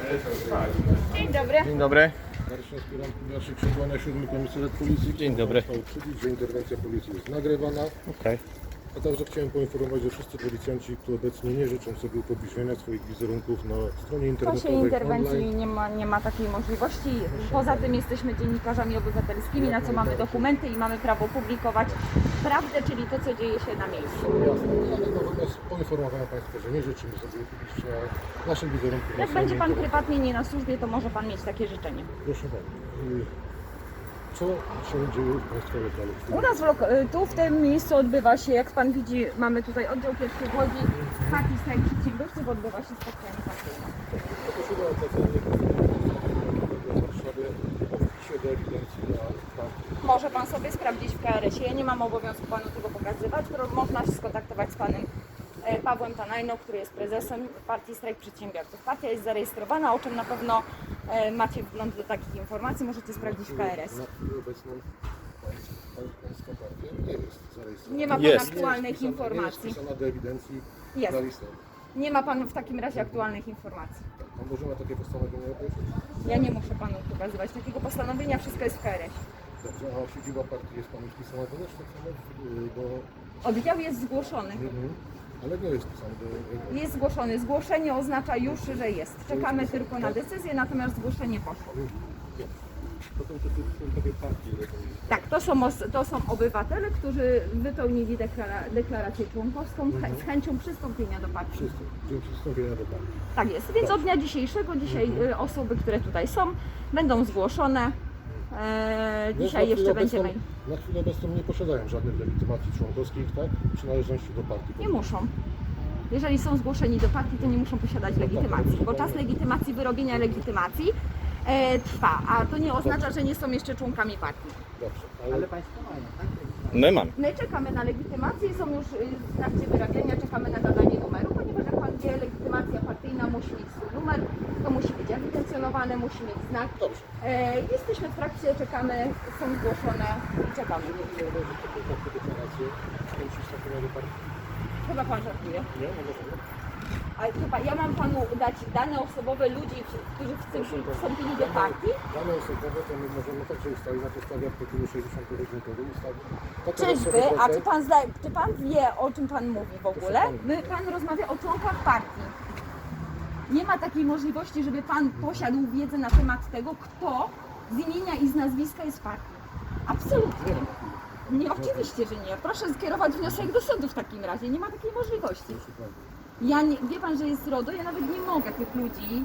Dzień dobry. Dzień dobry. Marszał aspirant Jacek Przykłania, 7 Komisariat Policji. Dzień dobry. Chciał uprzedzić, że interwencja policji jest nagrywana. Okej. A także chciałem poinformować, że wszyscy policjanci, którzy obecnie nie życzą sobie upubliczniania swoich wizerunków na stronie W czasie internetowej interwencji online. nie ma takiej możliwości. Poza tym jesteśmy dziennikarzami obywatelskimi, na co mamy dokumenty i mamy prawo publikować prawdę, czyli to, co dzieje się na miejscu. Jasne, ale natomiast poinformowałem Państwa, że nie życzymy sobie upubliczniania naszych wizerunków na Jak stronie będzie Pan internetowej. prywatnie nie na służbie, to może Pan mieć takie życzenie. Proszę Pani, co się dzieje w Państwa lokalu? U nas tu w tym miejscu odbywa się, jak Pan widzi, mamy tutaj oddział pierwszy w Łodzi, partii strajk przedsiębiorców, odbywa się spotkanie partyjne. Poprosiłem o ocenie w Warszawie o wpisie do ewidencji na partii. Może Pan sobie sprawdzić w KRS-ie. Ja nie mam obowiązku Panu tego pokazywać. Można się skontaktować z Panem Pawłem Tanajną, który jest prezesem partii Strajk Przedsiębiorców. Partia jest zarejestrowana, o czym na pewno macie wgląd do takich informacji. Możecie sprawdzić w KRS. Na chwilę obecną Pańska partia nie jest zarejestrowana. Nie ma Pan Jest. aktualnych Nie informacji. jest wpisana do ewidencji Jest. na listę. Nie ma Pan w takim razie aktualnych informacji. Pan może ma takie postanowienie obejrzeć? Ja nie muszę Panu pokazywać takiego postanowienia, wszystko jest w KRS. Dobrze, a siedziba partii jest Pani wpisana też tak samo do... Oddział jest zgłoszony. Ale nie jest wpisany do... Jest zgłoszony. Zgłoszenie oznacza już, że jest. Czekamy tylko na decyzję, natomiast zgłoszenie poszło. Potem to są takie partie. Tak, to są obywatele, którzy wypełnili deklarację członkowską z chęcią przystąpienia do partii. Wszyscy, dzień przystąpienia do partii. Tak jest, więc od dnia dzisiejszego, osoby, które tutaj są, będą zgłoszone. Dzisiaj jeszcze będzie mail. Na chwilę obecną nie posiadają żadnych legitymacji członkowskich, tak? Przynależności do partii. Nie muszą. Jeżeli są zgłoszeni do partii, to nie muszą posiadać legitymacji, bo czas legitymacji, wyrobienia legitymacji trwa, a to nie oznacza, że nie są jeszcze członkami partii. Dobrze, ale Państwo mają, tak? My mamy. My czekamy na legitymację, są już w trakcie wyrabiania, czekamy na nadanie numeru, ponieważ jak Pan wie, legitymacja partyjna musi mieć swój numer, to musi być ewidencjonowane, musi mieć znak. dobrze. Jesteśmy w trakcie, czekamy, są zgłoszone i czekamy. Nie odejrzeć takie deklaracje chęci przystąpienia do partii. Chyba Pan żartuje. Nie? Nie możemy? A chyba ja mam Panu dać dane osobowe ludzi, którzy wstąpili do partii? Dane osobowe to my możemy także ustalić na podstawie artykułu 62 ustawy. Takie Czyżby? osoby, A czy pan wie, o czym Pan mówi w ogóle? Pan rozmawia o członkach partii. Nie ma takiej możliwości, żeby Pan posiadł wiedzę na temat tego, kto z imienia i z nazwiska jest w partii. Absolutnie. Nie, oczywiście, że nie. Proszę skierować wniosek do sądu w takim razie. Nie ma takiej możliwości. Ja nie, wie Pan, że jest RODO, ja nawet nie mogę tych ludzi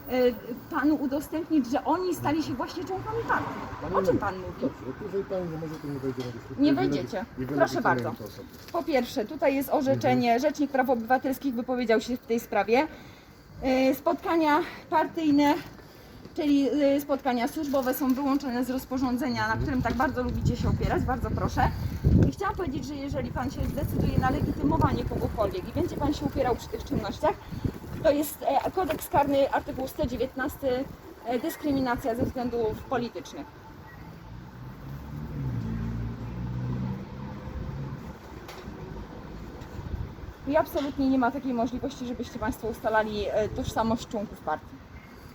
Panu udostępnić, że oni stali się właśnie członkami partii. O czym Pan mówi? Dobrze, jeżeli Pani nie może, to nie wejdziemy do dyskusji. Nie wejdziecie. Proszę bardzo. Po pierwsze, tutaj jest orzeczenie, Rzecznik Praw Obywatelskich wypowiedział się w tej sprawie. Spotkania partyjne, czyli spotkania służbowe są wyłączone z rozporządzenia, na którym tak bardzo lubicie się opierać, bardzo proszę. I chciałam powiedzieć, że jeżeli Pan się zdecyduje na legitymowanie kogokolwiek i będzie Pan się upierał przy tych czynnościach, to jest kodeks karny, artykuł 119, dyskryminacja ze względów politycznych. I absolutnie nie ma takiej możliwości, żebyście Państwo ustalali tożsamość członków partii.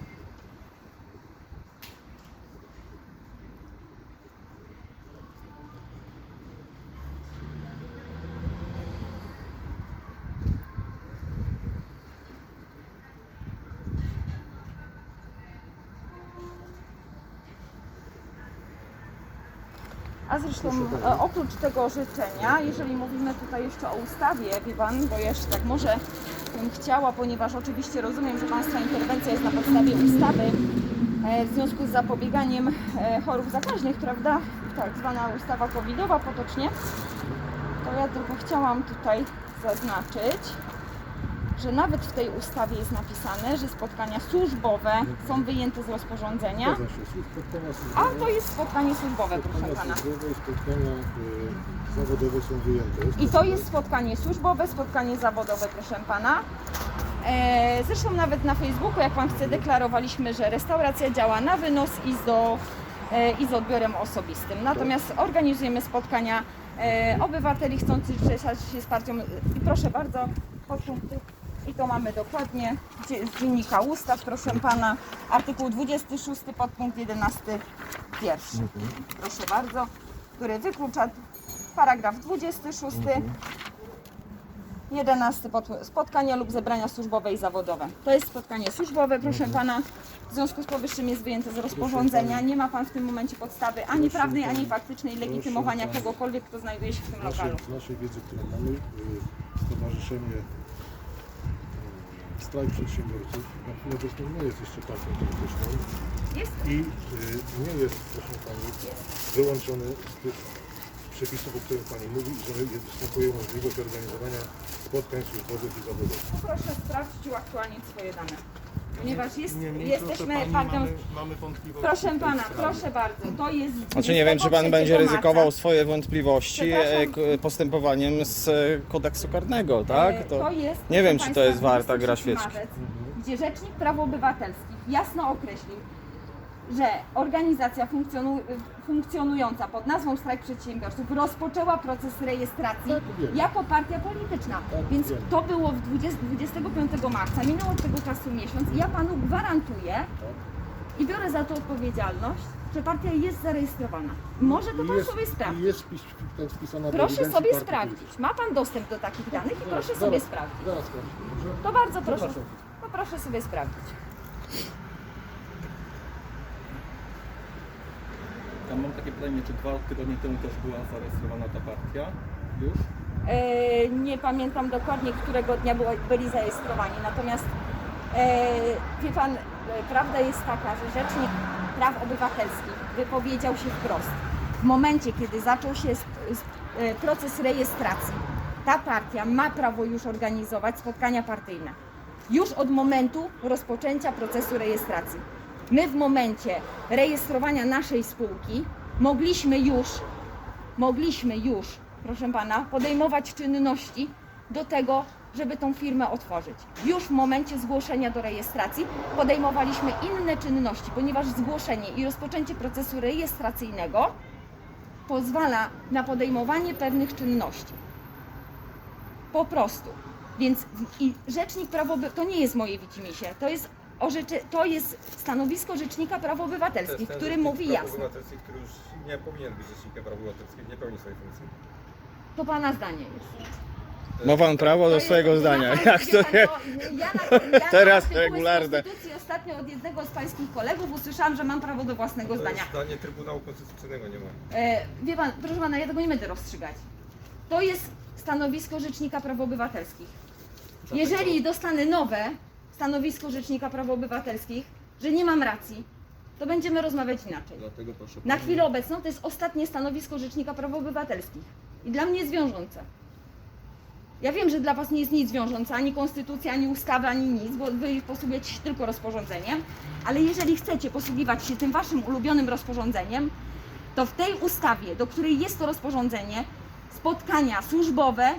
A zresztą oprócz tego życzenia, jeżeli mówimy tutaj jeszcze o ustawie, wie Pan, bo jeszcze tak może bym chciała, ponieważ oczywiście rozumiem, że Państwa interwencja jest na podstawie ustawy w związku z zapobieganiem chorób zakaźnych, prawda? Tak zwana ustawa covidowa potocznie. To ja tylko chciałam tutaj zaznaczyć, że nawet w tej ustawie jest napisane, że spotkania służbowe są wyjęte z rozporządzenia. A to jest spotkanie służbowe, proszę Pana. Spotkania zawodowe są wyjęte. I to jest spotkanie służbowe, spotkanie zawodowe, proszę Pana. Zresztą nawet na Facebooku, jak Pan chce, deklarowaliśmy, że restauracja działa na wynos i z odbiorem osobistym. Natomiast organizujemy spotkania obywateli chcących zrzeszać się z partią. I proszę bardzo, podpunkty I to mamy dokładnie z dziennika ustaw, proszę pana, artykuł 26 podpunkt 11 pierwszy. Proszę bardzo, który wyklucza paragraf 26, 11 spotkania lub zebrania służbowe i zawodowe. To jest spotkanie służbowe, proszę pana. W związku z powyższym jest wyjęte z rozporządzenia. Nie ma pan w tym momencie podstawy ani prawnej, ani faktycznej legitymowania kogokolwiek, kto znajduje się w tym lokalu. Z naszej wiedzy, którą mamy, Stowarzyszenie Strajk Przedsiębiorców na chwilę obecną nie jest jeszcze partią polityczną Jest? i nie jest, proszę pani, wyłączony z tych przepisów, o których pani mówi, że występuje możliwość organizowania spotkań służbowych i zawodowych. Proszę sprawdzić i uaktualnić swoje dane. Ponieważ Niemniej, jesteśmy proszę pani, partią... mamy wątpliwości. Proszę w tej pana, sprawie. proszę bardzo, to jest... Znaczy nie wiem, czy pan 23 będzie ryzykował marca. swoje wątpliwości Przepraszam. postępowaniem z kodeksu karnego, tak? To jest, nie wiem, proszę czy to jest państwa, warta gra 23 świeczki. marzec, gdzie Rzecznik Praw Obywatelskich jasno określił, że organizacja funkcjonująca pod nazwą Strajk Przedsiębiorców rozpoczęła proces rejestracji Tak, wiem. jako partia polityczna. Tak, Więc wiem. to było 25 marca, minął od tego czasu miesiąc i ja panu gwarantuję i biorę za to odpowiedzialność, że partia jest zarejestrowana. Może to pan sobie I sprawdzić. jest wpisana do Proszę ewidencji sobie partii sprawdzić. Ma pan dostęp do takich danych i politycznej. proszę Zaraz, sobie zaraz, sprawdzić. Zaraz sprawdzę, dobrze? To bardzo proszę. Zapraszam. No proszę sobie sprawdzić. Ja mam takie pytanie, czy 2 tygodnie temu też była zarejestrowana ta partia? Już? Nie pamiętam dokładnie, którego dnia byli zarejestrowani. Natomiast wie pan, prawda jest taka, że Rzecznik Praw Obywatelskich wypowiedział się wprost. W momencie, kiedy zaczął się proces rejestracji, ta partia ma prawo już organizować spotkania partyjne. Już od momentu rozpoczęcia procesu rejestracji. My w momencie rejestrowania naszej spółki mogliśmy już, proszę pana, podejmować czynności do tego, żeby tą firmę otworzyć. Już w momencie zgłoszenia do rejestracji podejmowaliśmy inne czynności, ponieważ zgłoszenie i rozpoczęcie procesu rejestracyjnego pozwala na podejmowanie pewnych czynności. Po prostu. Więc i Rzecznik Praw Obywatelskich, to nie jest moje widzimisię, to jest stanowisko Rzecznika Praw Obywatelskich, który mówi jasno. Który już nie powinien być rzecznikiem praw obywatelskich, nie pełni swojej funkcji. To pana zdanie jest. Ma pan prawo do swojego zdania. Jak to nie? Teraz regularne. W Konstytucji ostatnio od jednego z pańskich kolegów usłyszałam, że mam prawo do własnego To zdania. jest zdanie Trybunału Konstytucyjnego, nie ma. Wie pan, proszę pana, ja tego nie będę rozstrzygać. To jest stanowisko Rzecznika Praw Obywatelskich. Jeżeli dostanę nowe stanowisko Rzecznika Praw Obywatelskich, że nie mam racji, to będziemy rozmawiać inaczej. Dlatego proszę Na pani, chwilę obecną to jest ostatnie stanowisko Rzecznika Praw Obywatelskich i dla mnie jest wiążące. Ja wiem, że dla was nie jest nic wiążące, ani konstytucja, ani ustawy, ani nic, bo wy posługujecie się tylko rozporządzeniem, ale jeżeli chcecie posługiwać się tym waszym ulubionym rozporządzeniem, to w tej ustawie, do której jest to rozporządzenie, spotkania służbowe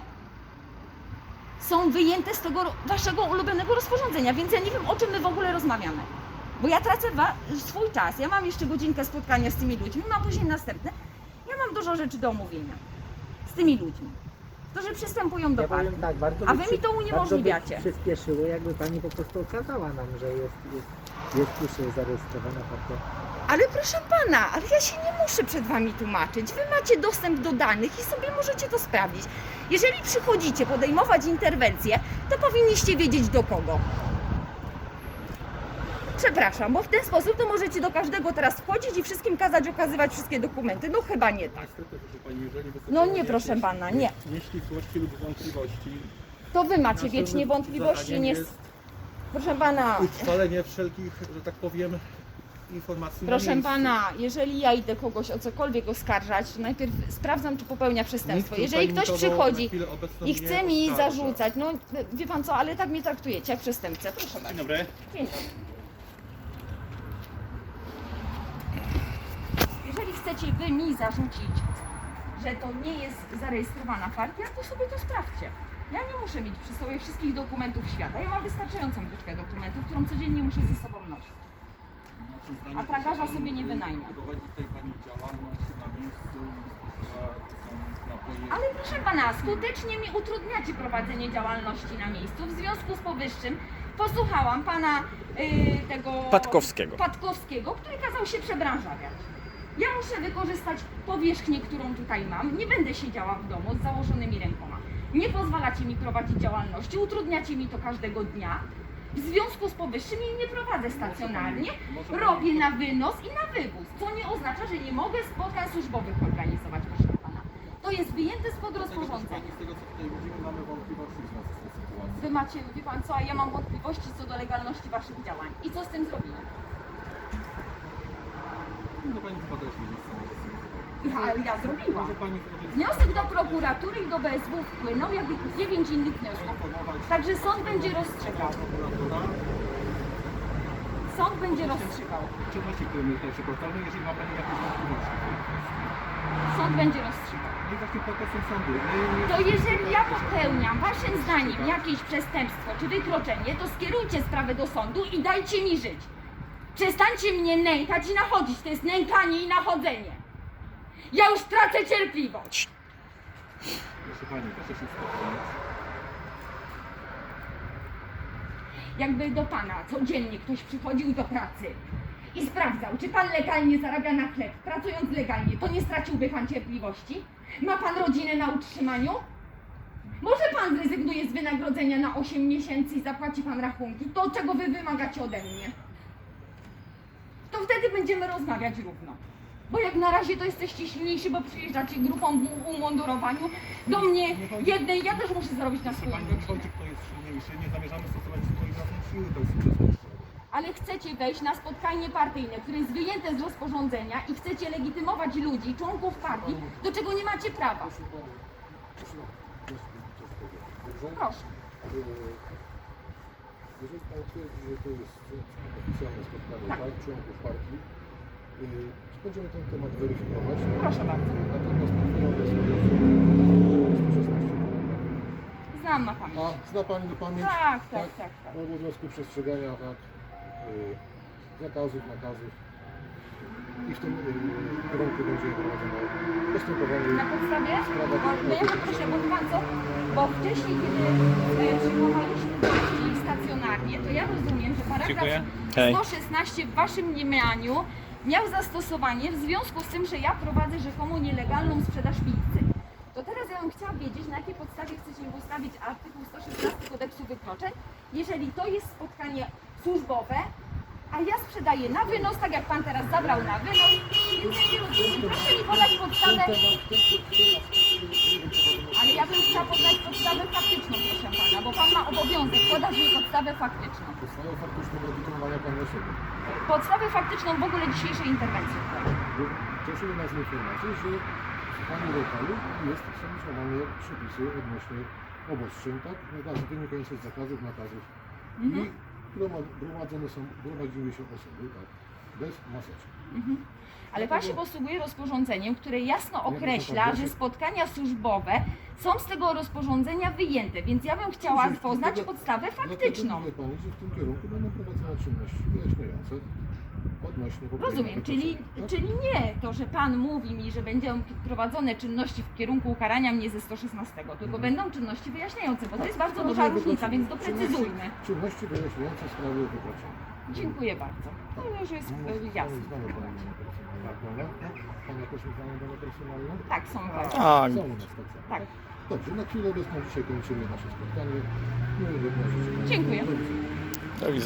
są wyjęte z tego waszego ulubionego rozporządzenia, więc ja nie wiem, o czym my w ogóle rozmawiamy. Bo ja tracę swój czas, ja mam jeszcze godzinkę spotkania z tymi ludźmi, mam później następne. Ja mam dużo rzeczy do omówienia z tymi ludźmi, którzy przystępują do Ja partii. powiem tak, bardzo A by wy mi to uniemożliwiacie. Bardzo by przyspieszyło, jakby pani po prostu okazała nam, że jest już zarejestrowana partia. Ale proszę pana, ale ja się nie muszę przed wami tłumaczyć. Wy macie dostęp do danych i sobie możecie to sprawdzić. Jeżeli przychodzicie podejmować interwencję, to powinniście wiedzieć do kogo. Przepraszam, bo w ten sposób to możecie do każdego teraz wchodzić i wszystkim kazać okazywać wszystkie dokumenty. No chyba nie tak. niestety, proszę pani, jeżeli No nie, występują proszę jakieś pana, nie. nieścisłości lub wątpliwości, To wy macie naszym wiecznie wątpliwości, zadaniem nie... jest Proszę pana, utrwalenie wszelkich, że tak powiem, informacji na proszę miejscu. pana, jeżeli ja idę kogoś o cokolwiek oskarżać, to najpierw sprawdzam, czy popełnia przestępstwo. Nikt Jeżeli tutaj ktoś nikogo na przychodzi chwilę obecną i nie chce mi oskarża. zarzucać, no wie pan co, ale tak mnie traktujecie jak przestępcę. Proszę Dzień bardzo. dobry. Dzień dobry. Jeżeli chcecie wy mi zarzucić, że to nie jest zarejestrowana partia, to sobie to sprawdźcie. Ja nie muszę mieć przy sobie wszystkich dokumentów świata. Ja mam wystarczającą liczbę dokumentów, którą codziennie muszę ze sobą nosić. Waszym zdaniem A tragarza pani sobie nie wynajmie. prowadzi tutaj pani działalność na miejscu, spożywa są napoje. Ale proszę pana, skutecznie mi utrudniacie prowadzenie działalności na miejscu. W związku z powyższym posłuchałam pana tego Patkowskiego, który kazał się przebranżawiać. Ja muszę wykorzystać powierzchnię, którą tutaj mam. Nie będę siedziała w domu z założonymi rękoma. Nie pozwalacie mi prowadzić działalności, utrudniacie mi to każdego dnia. W związku z powyższym jej nie prowadzę stacjonarnie, robię na wynos i na wywóz, co nie oznacza, że nie mogę spotkań służbowych organizować, proszę pana. To jest wyjęte spod rozporządzenia. Z tego co tutaj widzimy, mamy wątpliwości w związku z tą sytuacją. Wy macie, wie pan co, a ja mam wątpliwości co do legalności waszych działań. I co z tym zrobimy? No pani chyba też nie jest Ale ja zrobiłam. Może pani zrobić Wniosek do prokuratury i do BSW wpłynął, jak i 9 innych wniosków. Także sąd będzie rozstrzygał. prokuratora, Sąd będzie rozstrzygał. czynności, które my tutaj przeprowadzamy, jeżeli ma pani jakieś wątpliwości. Sąd będzie rozstrzygał. No i właśnie po to są sądy. To jeżeli ja popełniam waszym zdaniem jakieś przestępstwo czy wykroczenie, to skierujcie sprawę do sądu i dajcie mi żyć. Przestańcie mnie nękać i nachodzić. To jest nękanie i nachodzenie. Ja już tracę cierpliwość. Proszę pani, proszę się uspokoić. Jakby do pana codziennie ktoś przychodził do pracy i sprawdzał, czy pan legalnie zarabia na chleb, pracując legalnie, to nie straciłby pan cierpliwości? Ma pan rodzinę na utrzymaniu? Może pan zrezygnuje z wynagrodzenia na 8 miesięcy i zapłaci pan rachunki? To, czego wy wymagacie ode mnie. To wtedy będziemy rozmawiać równo. Bo jak na razie to jesteście silniejsi, bo przyjeżdżacie grupą w umundurowaniu. Do mnie jednej, ja też muszę zarobić na Proszę swoją pani, nie rodzinę. chodzi, kto jest silniejszy. Nie zamierzamy stosować swoich własnych sił, to jest przestępstwo. Ale chcecie wejść na spotkanie partyjne, które jest wyjęte z rozporządzenia i chcecie legitymować ludzi, członków partii, do czego nie macie prawa. Proszę. Jeżeli Pan twierdzi, że to jest oficjalne spotkanie tak, członków partii, będziemy ten temat weryfikować. Proszę bardzo. Natomiast mówimy o 116. Znam na pamięć. A zna Pani na pamięć? Tak. O obowiązku przestrzegania zakazów, nakazów. I w tym kierunku będzie prowadzone postępowanie. Na podstawie? Sprawa Bo ja poproszę, bo wie pan co? Bo wcześniej, kiedy przyjmowaliśmy gości stacjonarnie, to ja rozumiem, że paragraf 116 w waszym mniemaniu miał zastosowanie w związku z tym, że ja prowadzę rzekomo nielegalną sprzedaż pizzy. To teraz ja bym chciała wiedzieć, na jakiej podstawie chcecie ustawić artykuł 116 kodeksu wykroczeń, jeżeli to jest spotkanie służbowe, a ja sprzedaję na wynos, tak jak pan teraz zabrał na wynos, więc ja nie rozumiem. Proszę mi podać podstawę, ale ja bym chciała podać podstawę faktyczną, proszę pana, bo pan ma obowiązek podać mi podstawę faktyczną. Podstawę faktyczną legitymowania Pani osoby. Podstawę faktyczną w ogóle dzisiejszej interwencji. Cieszymy nas z informacji, że w Pani lokalu są złamane przepisy odnośnie obostrzeń, tak? Wynikających z zakazów, nakazów. I gromadziły się osoby, tak? Bez maseczek. Ale pan się posługuje rozporządzeniem, które jasno określa, że spotkania służbowe są z tego rozporządzenia wyjęte, więc ja bym chciała poznać podstawę faktyczną. Dlatego mówię Pani, że w tym kierunku będą prowadzone czynności wyjaśniające odnośnie Rozumiem, czyli nie to, że pan mówi mi, że będą prowadzone czynności w kierunku ukarania mnie ze 116, tylko będą czynności wyjaśniające, bo to jest bardzo duża różnica, więc doprecyzujmy. Czynności wyjaśniające sprawy wykroczenia. Dziękuję bardzo. To już jest jasne. Znamy Pani dane personalne? Tak, Pani jakoś znamy dane personalne? Tak, są bardzo. Tak. Są u nas tak samo. Tak. Dobrze, na chwilę obecną dzisiaj kończymy nasze spotkanie. Miłego dnia życzę. Dziękuję. Do widzenia.